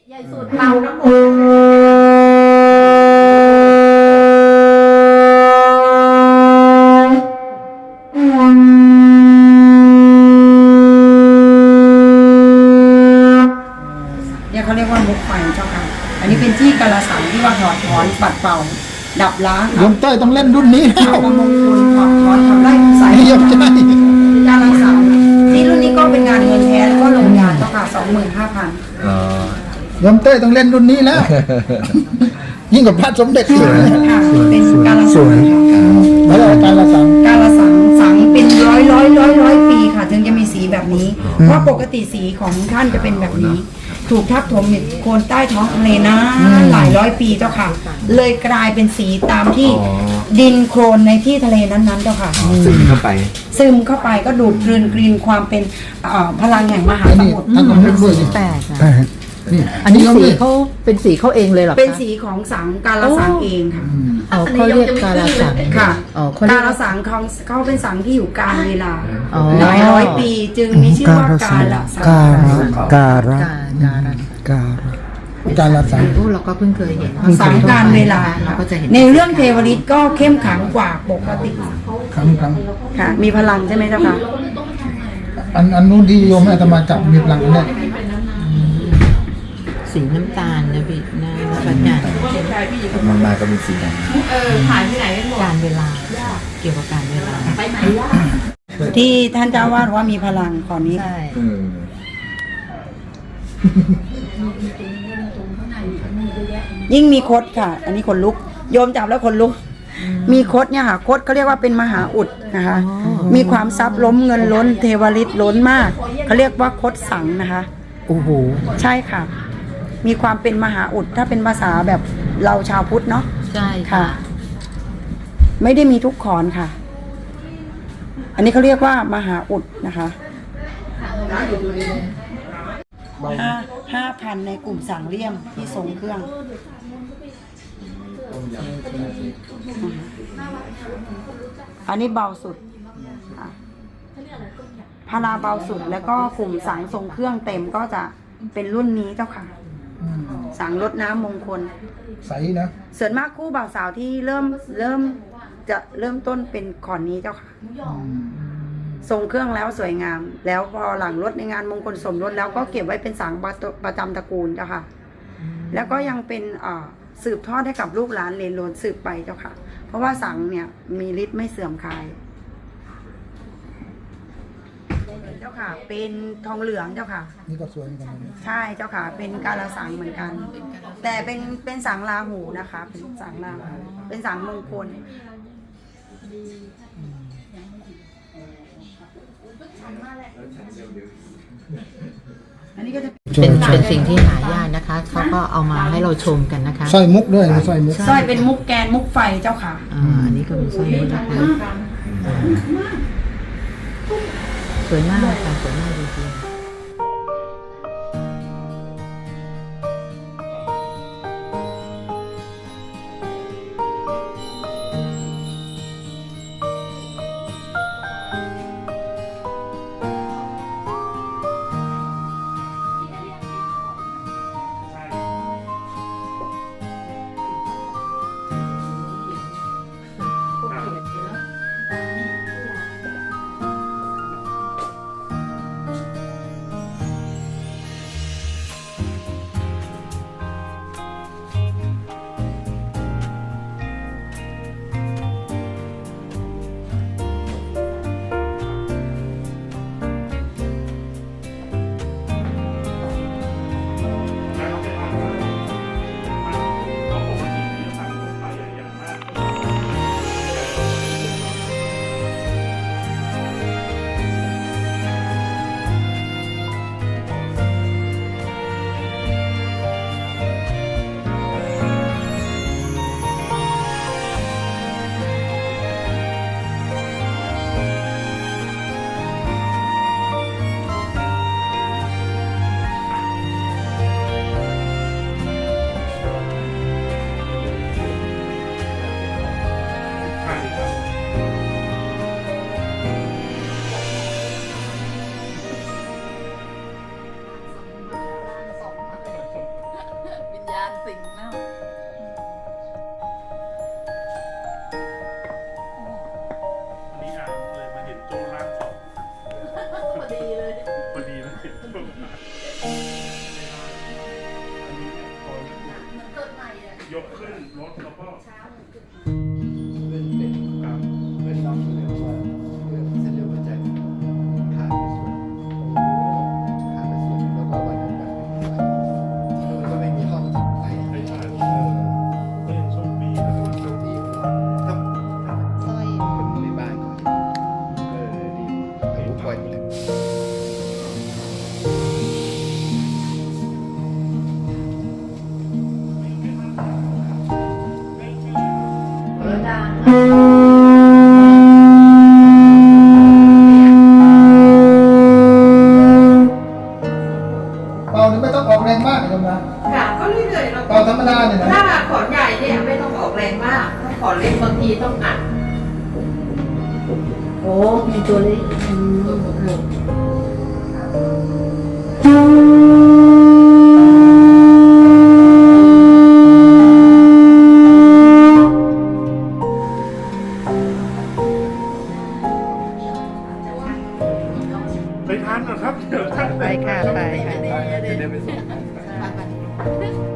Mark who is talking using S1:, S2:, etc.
S1: ใหญ่สุดเตาน้ำมนเนี่ยเขาเรียกว่ามุกไฟเจ้าค่ะอันนี้เป็นที่กาลสังที่ว่าถอดถอนปัดเป่าดับล้าง
S2: โยมเต้ยต้องเล่นรุ่นนี้แล้ว
S1: มงคลถอดถอนทำไร่สาย
S2: โยมใช่
S1: กาลสังที่รุ่นนี้ก็เป็นงานเงินแท้แล้วก็ลงยาเจ้าค่ะ 25,000
S2: โยมเต้ยต้องเล่นรุ่นนี้แล้ว ยิ่งกว่าพระสมเด็จอีก
S1: ค่ะเป็นกาลสัง
S2: แล้วการละสัง
S1: กาลสังเป็นร้อยปีค่ะ ถึงจะมีสีแบบนี้ เพราะปกติสีของท่านจะเป็นแบบนี้ ถูกทับถมอยู่โคนใต้ท้องทะเลนะหลายร้อยปีเจ้าค่ะ เลยกลายเป็นสีตามที่ดินโคลนในที่ทะเลนั้นๆเจ้าค่ะ
S3: ซึมเข้าไป
S1: ซึมเข้าไปก็ดูดกลืนความเป็นพลังแห่งมหา
S2: อัน
S1: ส
S2: นี้
S1: มุทร
S2: ท่านต้องเล่นด้วยนี่
S4: แปลกอะ
S2: นี่
S4: อันนี้
S2: โยม
S4: สี
S2: นี่
S4: เขาเป็นสีเขาเองเลยเหรอคะ
S1: เป็นสีของสังกาลสังเองค่ะ
S4: อ๋อเขาเรียกกาลสัง
S1: ค่ะ
S4: อ๋อเขาเรี
S1: กาย
S4: ก
S1: ลสังเขาเป็นสังที่อยู่กาลเวลา
S4: อ๋อ
S1: หลายร้อยปีจึงมีชื่อว่ากาลสัง
S2: การะ
S4: กาล
S2: สัง
S4: โอ้เราก็เพิ่งเคยเห็น
S1: สังการเวลา
S4: เราก็จะเห็น
S1: ในเรื่องเทวฤทธิ์ก็เข้มขังกว่าปกติ
S2: ครั้ง
S1: ค่ะ มีพลังใช่ไหมเจ้าค่ะ
S2: อันนู้นที่โยมอาตมาจับมีพลังเนี่ย
S4: สีน้ำตาลนะพี่นะพระจันทร์
S3: มันมาก็มีสีด
S4: การเวลาเกี่ยวกับการเวลา
S1: ที่ท่านเจ้าวาดว่ามีพลังขอนี้
S4: ใช่
S1: ยิ่งมีคดค่ะ อันนี้ขนลุก โยมจับแล้วขนลุก มีคดเนี่ยค่ะ คดเขาเรียกว่าเป็นมหาอุดนะคะ มีความทรัพย์ล้มเงินล้นเทวฤทธิ์ล้นมาก เขาเรียกว่าคดสังนะคะ
S4: โอ้โห
S1: ใช่ค่ะ มีความเป็นมหาอุดถ้าเป็นภาษาแบบเราชาวพุทธเนาะ
S4: ใช่
S1: ค่ะ
S4: ค่ะ
S1: ไม่ได้มีทุกขอนค่ะ อันนี้เขาเรียกว่ามหาอุดนะคะ5,000ในกลุ่มสังเลี่ยมที่ทรงเครื่อง อันนี้เบาสุดค่ะพาราเบาสุดแล้วก็กลุ่มสังทรงเครื่องเต็มก็จะเป็นรุ่นนี้เจ้าค่ะ สังรดน้ำมงคล
S2: ใสนะ
S1: ส่วนมากคู่บ่าวสาวที่เริ่มต้นเป็นขอนนี้เจ้าค่ะ ทรงเครื่องแล้วสวยงาม แล้วพอหลังรถในงานมงคลสมรสแล้วก็เก็บไว้เป็นสังประจำตระกูลเจ้าค่ะ แล้วก็ยังเป็นสืบทอดให้กับลูกหลานเลนโลนสืบไปเจ้าค่ะ เพราะว่าสังเนี่ยมีฤทธิ์ไม่เสื่อมคลายเจ้าค่ะ เป็นทองเหลืองเจ้าค่ะ
S2: นี่ก็สวยเหมือนกันนะ
S1: ใช่เจ้าค่ะ เป็นกาลสังเหมือนกัน แต่เป็นสังราหูนะคะ เป็นสังราหูเป็นสังมงคล อันนี้ก็จะ
S4: เป็นสิ่งที่หายากนะคะ เขาก็เอามาให้เราชมกันนะคะ
S2: สร้อยมุกด้วยสร้อยมุก
S1: สร้อยเป็นมุกแกนมุกไฟเจ้าค่ะ
S4: อันนี้ก็เป็นสร้อยมุกนะคะสวยมากค่ะสวยมากจริงๆ
S5: ยกขึ้นรถแล้วก็
S3: เป็นน้องอยู่เลยว่าเรื่องเส้นเลือดหัวใจขาดไปส่วนแล้วก็วันนั้นที่นู่นก็ไม่มีห้องไหน
S5: ไม่ใช่ก็ยังโชคดีนะครับ
S3: โชคดีถ้าคนในบ้านเขาดีอายุป่วยเลย
S2: เป่านี่ไม่ต้องออกแรงมากเลยนะ
S6: ค่ะก็เรื่อยๆเรา
S2: เป่าธรรมดาเนี่ยนะ
S6: ถ้าขอนใหญ่เนี่ยไม่ต้องออกแรงมากถ้าขอนเล็กบางทีต้องอัด
S4: โอ้มีตัวเล็กอืม
S5: ไปทานก่อนครับ เดี๋ยวท่าน
S4: ไปค่ะไปค่ะ
S3: จะได้ไปส่ง